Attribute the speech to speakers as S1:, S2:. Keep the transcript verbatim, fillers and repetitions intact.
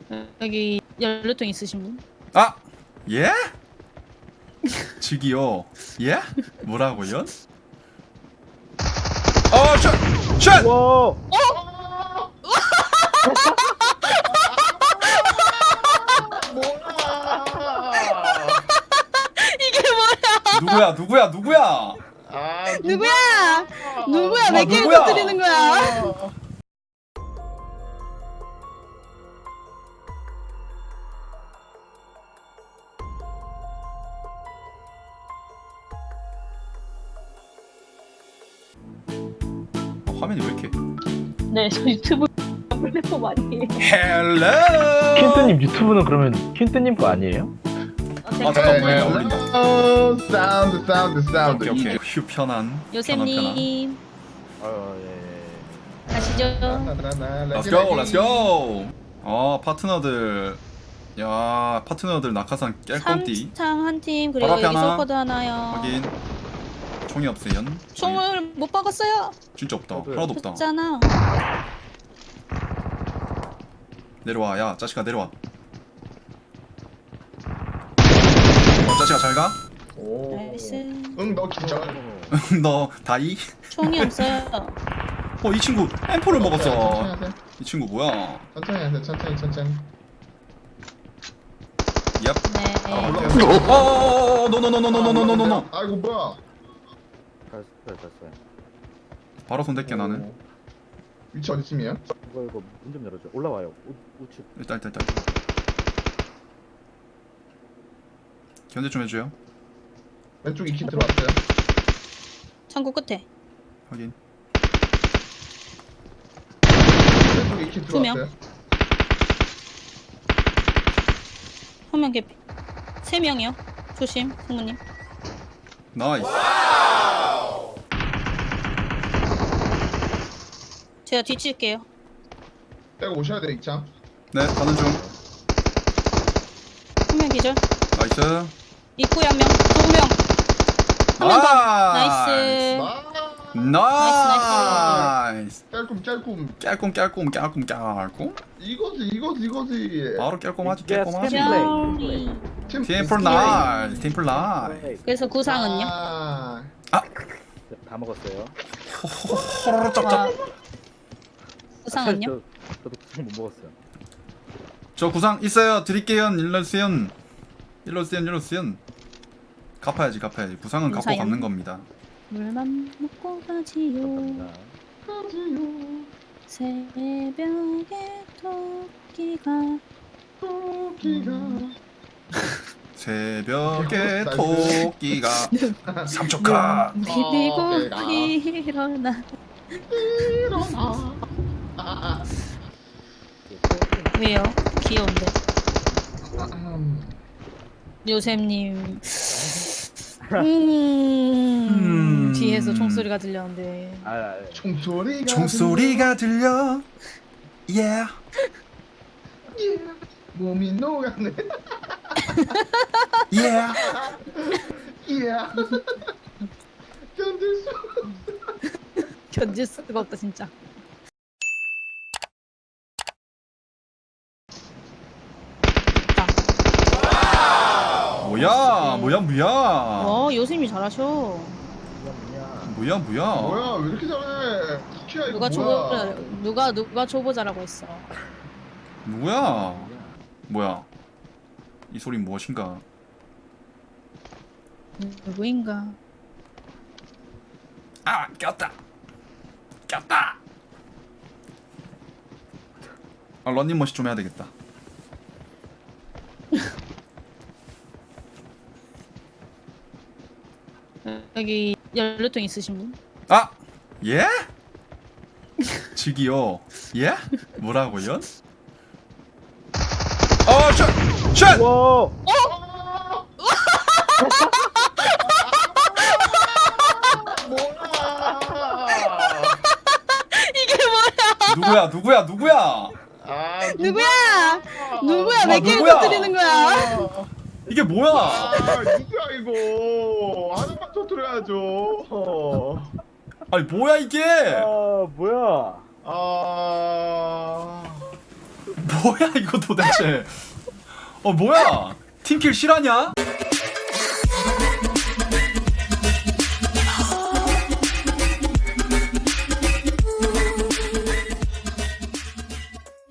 S1: 여기 연료통 있으신 분?
S2: 아! 예? 즉이요. 예? 뭐라고요? 어, 샷! 샷!
S3: 와.
S1: 이게 뭐야?
S2: 누구야? 누구야? 누구야?
S4: 아,
S1: 누구야? 누구야?
S2: 아,
S1: 몇 개를
S2: 누구야?
S1: 터뜨리는 거야?
S2: 어, 화면이 왜 이렇게?
S1: 네, 저 유튜브 플랫폼 아니에요.
S2: 헬로!
S3: 킨트님 유튜브는 그러면 킨트님 거 아니에요?
S1: 아,
S2: 아, 잠깐만. 왜 어울린다.
S4: 어, 사운드 사운드 사운드.
S2: 오케이, 오케이. 휴, 편한. 편한, 편한.
S1: 요셉님
S3: 어 예.
S1: 가시죠.
S2: Let's go, let's go. 어, 파트너들. 야, 파트너들 낙하산 깰건띠.
S1: 삼창 한 팀, 그리고
S2: 바로 앞에
S1: 여기
S2: 하나.
S1: 소커드 하나요.
S2: 확인. 총이 없어요.
S1: 총을 못 박았어요.
S2: 진짜 없다.
S3: 저도요.
S2: 하나도 없다.
S1: 없잖아.
S2: 내려와, 야, 자식아 내려와. 어, 자식아 잘 가.
S4: 오.
S1: 나이스.
S4: 응, 너 기절.
S2: 너 다이.
S1: 총이 없어요.
S2: 어, 이 친구 엠포를
S4: 천천히
S2: 먹었어.
S4: 하세요.
S2: 이 친구 뭐야?
S4: 천천히 하세요. 천천히 천천히.
S2: 얍.
S1: 네.
S2: 아, 올라. 어, 노노노노노노노노노노.
S4: 아이고 뭐야?
S3: 됐어요 됐어요.
S2: 바로 손 댈게 나는.
S4: 오. 위치 어디쯤이에요?
S3: 이거 이거 문 좀 열어줘. 올라와요. 우, 우측.
S2: 일단 일단 일단. 견제 좀 해줘요.
S4: 왼쪽 이키 들어왔어요.
S1: 창고 끝에.
S2: 확인.
S4: 왼쪽 이키
S1: 두 명.
S4: 들어왔어요.
S1: 한 명 개피. 세 명이요. 조심, 승무님.
S2: 나이스.
S1: 제가 뒤칠게요.
S4: 빼고 오셔야 돼 이창.
S2: 네, 가는 중.
S1: 한 명 기절.
S2: 나이스.
S1: 입구에 한 명. 두 명. 한 명 더. 나이스.
S4: 아.
S2: 나이스.
S4: 깔끔 깔끔.
S2: 깔끔 깔끔 깔끔 깔끔.
S4: 이거지 이거지 이거지.
S2: 바로 깔끔하지
S3: Yes,
S2: 깔끔하지.
S3: yes.
S1: 쩌리.
S4: 팀
S2: 팀플 나이스. 팀플 나이스.
S1: 그래서 구상은요?
S4: 아.
S3: 다 먹었어요.
S2: 호로로
S1: 와.
S2: 짭짭.
S1: 구상은요?
S3: 저, 저도 구상 못 먹었어요.
S2: 저 구상 있어요. 드릴게요. 일러스연. 일러스연 일러스연. 갚아야지 갚아야지. 구상은 갚고
S1: 인사연.
S2: 갚는 겁니다.
S1: 물만 먹고 가지요.
S3: 감사합니다.
S4: 가지요.
S1: 새벽에 토끼가
S4: 토끼가.
S2: 새벽에 토끼가 삼초카.
S1: 비비고
S4: 어, 내가.
S1: 일어나.
S4: 일어나. 아,
S1: 왜요? 귀여운데.
S4: 아, 음.
S1: 요셉님. 음,
S2: 음.
S1: 뒤에서 총소리가 들렸는데.
S3: 아, 아,
S4: 총소리가.
S2: 총소리가 들려. Yeah.
S4: 들려. 예. 몸이 녹아네.
S2: Yeah.
S4: 예. 견딜 수.
S1: 견딜 수가 없다 진짜.
S2: 뭐야 뭐야 뭐야
S1: 어, 요셉이 잘하셔.
S3: 뭐냐.
S2: 뭐야 뭐야.
S4: 뭐야 왜 이렇게 잘해? 키야 이거
S1: 누가
S4: 뭐야?
S1: 초보 누가 누가 초보자라고 했어.
S2: 누구야? 뭐야? 이 소린 무엇인가?
S1: 누구인가?
S2: 아 꼈다. 꼈다. 아 런닝머신 좀 해야 되겠다.
S1: 여기 연료통 있으신 분?
S2: 아 예? 즉이요. 예? 뭐라고요? 어 샷! 샷!
S3: 와.
S1: 이게 뭐야?
S2: 누구야 누구야 누구야?
S4: 아,
S1: 누구야? 누구야?
S2: 아,
S1: 몇 개를
S2: 누구야?
S1: 터뜨리는 거야?
S2: 이게 뭐야?
S4: 아, 누구야 이거? 하나만 터뜨려야죠.
S2: 아니 뭐야 이게?
S3: 아, 뭐야.
S4: 아,
S2: 뭐야 이거 도대체 어 뭐야 팀킬 실화냐?